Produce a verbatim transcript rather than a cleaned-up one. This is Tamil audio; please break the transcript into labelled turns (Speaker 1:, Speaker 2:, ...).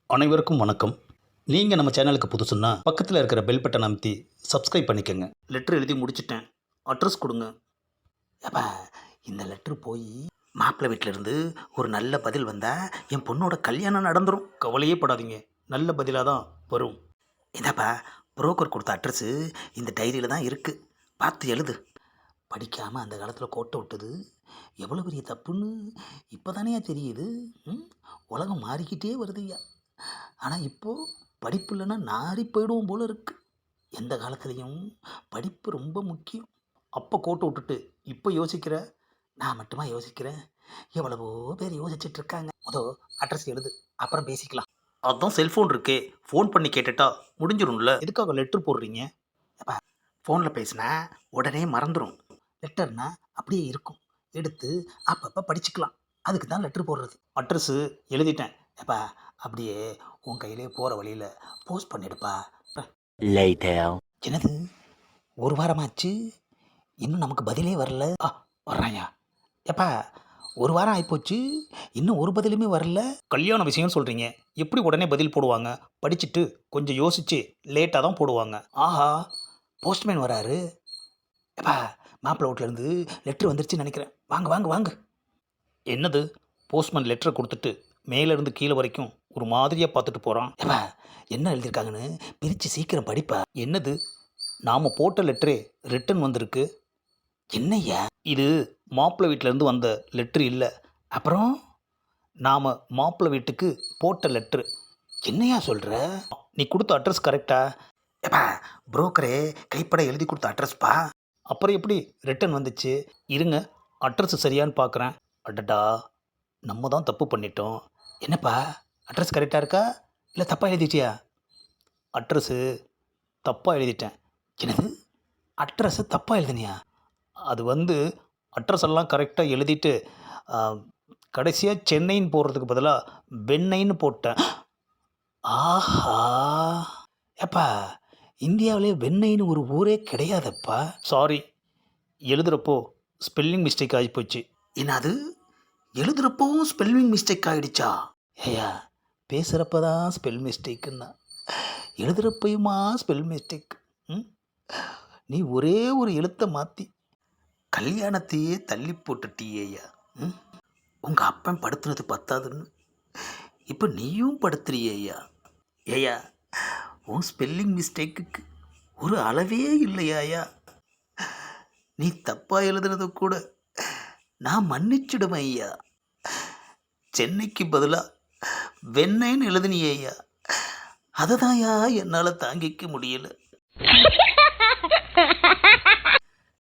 Speaker 1: அனைவருக்கும் வணக்கம். நீங்கள் நம்ம சேனலுக்கு புதுசுன்னா பக்கத்தில் இருக்கிற பெல் பட்டன் அமைத்தி சப்ஸ்கிரைப் பண்ணிக்கோங்க. லெட்டர் எழுதி முடிச்சிட்டேன், அட்ரஸ் கொடுங்க.
Speaker 2: ஏப்பா, இந்த லெட்ரு போய் மாப்பிள்ளை வீட்டிலேருந்து ஒரு நல்ல பதில் வந்தால் என் பொண்ணோட கல்யாணம் நடந்துடும்.
Speaker 1: கவலையே படாதீங்க, நல்ல பதிலாக தான் வரும்.
Speaker 2: இதாப்பா, புரோக்கர் கொடுத்த அட்ரஸு இந்த டைரியில் தான் இருக்குது, பார்த்து எழுது. படிக்காமல் அந்த காலத்தில் கோட்டை விட்டது எவ்வளோ பெரிய தப்புன்னு இப்போ தானே தெரியுது. ம், உலகம் மாறிக்கிட்டே வருதுய்யா. ஆனால் இப்போது படிப்பு இல்லைன்னா நாரி போயிடுவோம் போல இருக்குது. எந்த காலத்துலேயும் படிப்பு ரொம்ப முக்கியம்.
Speaker 1: அப்போ கோட்டை விட்டுட்டு இப்போ யோசிக்கிற?
Speaker 2: நான் மட்டுமா யோசிக்கிறேன்? எவ்வளவோ பேர் யோசிச்சுட்டு இருக்காங்க. முதல் அட்ரஸ் எழுது, அப்புறம் பேசிக்கலாம்.
Speaker 1: அதான் செல்ஃபோன் இருக்கே, ஃபோன் பண்ணி கேட்டுட்டா முடிஞ்சிடும்ல. எதுக்காக லெட்ரு போடுறீங்க?
Speaker 2: அப்பா, ஃபோனில் பேசினா உடனே மறந்துடும். லெட்டர்னா அப்படியே இருக்கும், எடுத்து அப்பப்போ படிச்சுக்கலாம். அதுக்கு தான் லெட்ரு போடுறது.
Speaker 1: அட்ரஸு எழுதிட்டேன்.
Speaker 2: ஏப்பா, அப்படியே உன் கையிலே போகிற வழியில் போஸ்ட் பண்ணிடுப்பா.
Speaker 3: Later.
Speaker 2: என்னது, ஒரு வாரமாச்சு இன்னும் நமக்கு பதிலே வரல. ஆ, வர்றாயா? ஏப்பா, ஒரு வாரம் ஆகிப்போச்சு, இன்னும் ஒரு பதிலுமே வரல.
Speaker 1: கல்யாண விஷயம் சொல்கிறீங்க, எப்படி உடனே பதில் போடுவாங்க? படிச்சுட்டு கொஞ்சம் யோசித்து லேட்டாக தான் போடுவாங்க.
Speaker 2: ஆஹா, போஸ்ட்மேன் வராரு. ஏப்பா, மாப்பிள்ளை வீட்டிலேருந்து லெட்ரு வந்துருச்சுன்னு நினைக்கிறேன். வாங்க வாங்க வாங்க.
Speaker 1: என்னது, போஸ்ட்மேன் லெட்டரை கொடுத்துட்டு மேலேருந்து கீழே வரைக்கும் ஒரு மாதிரியாக பார்த்துட்டு போகிறான்.
Speaker 2: ஏப்பா, என்ன எழுதியிருக்காங்கன்னு பிரித்து சீக்கிரம் படிப்பா.
Speaker 1: என்னது, நாம் போட்ட லெட்டரே ரிட்டன் வந்திருக்கு.
Speaker 2: என்னய்யா
Speaker 1: இது மாப்பிள்ளை வீட்டிலேருந்து வந்த லெட்ரு இல்லை,
Speaker 2: அப்புறம்?
Speaker 1: நாம் மாப்பிள்ளை வீட்டுக்கு போட்ட லெட்ரு.
Speaker 2: என்னையா சொல்கிற?
Speaker 1: நீ கொடுத்த அட்ரஸ் கரெக்டா?
Speaker 2: ஏப்பா, புரோக்கரே கைப்பட எழுதி கொடுத்த அட்ரஸ்ப்பா.
Speaker 1: அப்புறம் எப்படி ரிட்டன் வந்துச்சு? இருங்க, அட்ரஸ் சரியான்னு பார்க்குறேன். அடடா, நம்ம தான் தப்பு பண்ணிட்டோம்.
Speaker 2: என்னப்பா, அட்ரஸ் கரெக்டாக இருக்கா இல்லை தப்பாக எழுதிட்டியா?
Speaker 1: அட்ரஸு தப்பாக எழுதிட்டேன்.
Speaker 2: என்னது, அட்ரஸை தப்பாக எழுதுனியா?
Speaker 1: அது வந்து அட்ரஸ் எல்லாம் கரெக்டாக எழுதிட்டு கடைசியாக சென்னைன்னு போடுறதுக்கு பதிலாக வெண்ணெய்ன்னு போட்டேன்.
Speaker 2: ஆஹா, ஏப்பா, இந்தியாவிலே வெண்ணெய்னு ஒரு ஊரே கிடையாதப்பா.
Speaker 1: சாரி, எழுதுகிறப்போ ஸ்பெல்லிங் மிஸ்டேக் ஆகிப்போச்சு.
Speaker 2: என்னது, எழுதுகிறப்பவும் ஸ்பெல்லிங் மிஸ்டேக் ஆகிடுச்சா?
Speaker 1: ஏயா, பேசுகிறப்ப தான் ஸ்பெல் மிஸ்டேக்குன்னா எழுதுகிறப்பையுமா ஸ்பெல் மிஸ்டேக்? ம், நீ ஒரே ஒரு எழுத்தை மாற்றி
Speaker 2: கல்யாணத்தையே தள்ளி போட்டுட்டியேயா. ம், உங்கள் அப்பன் படுத்துனது பத்தாதுன்னு இப்போ நீயும் படுத்துறியேயா. ஏயா, உன் ஸ்பெல்லிங் மிஸ்டேக்குக்கு ஒரு அளவே இல்லையாயா. நீ தப்பாக எழுதுனதை கூட நான் மன்னிச்சிடுவேன் ஐயா. சென்னைக்கு பதிலாக வெண்ணெய்ன்னு எழுதுனியேயா, அதை தான்யா என்னால் தாங்கிக்க முடியல.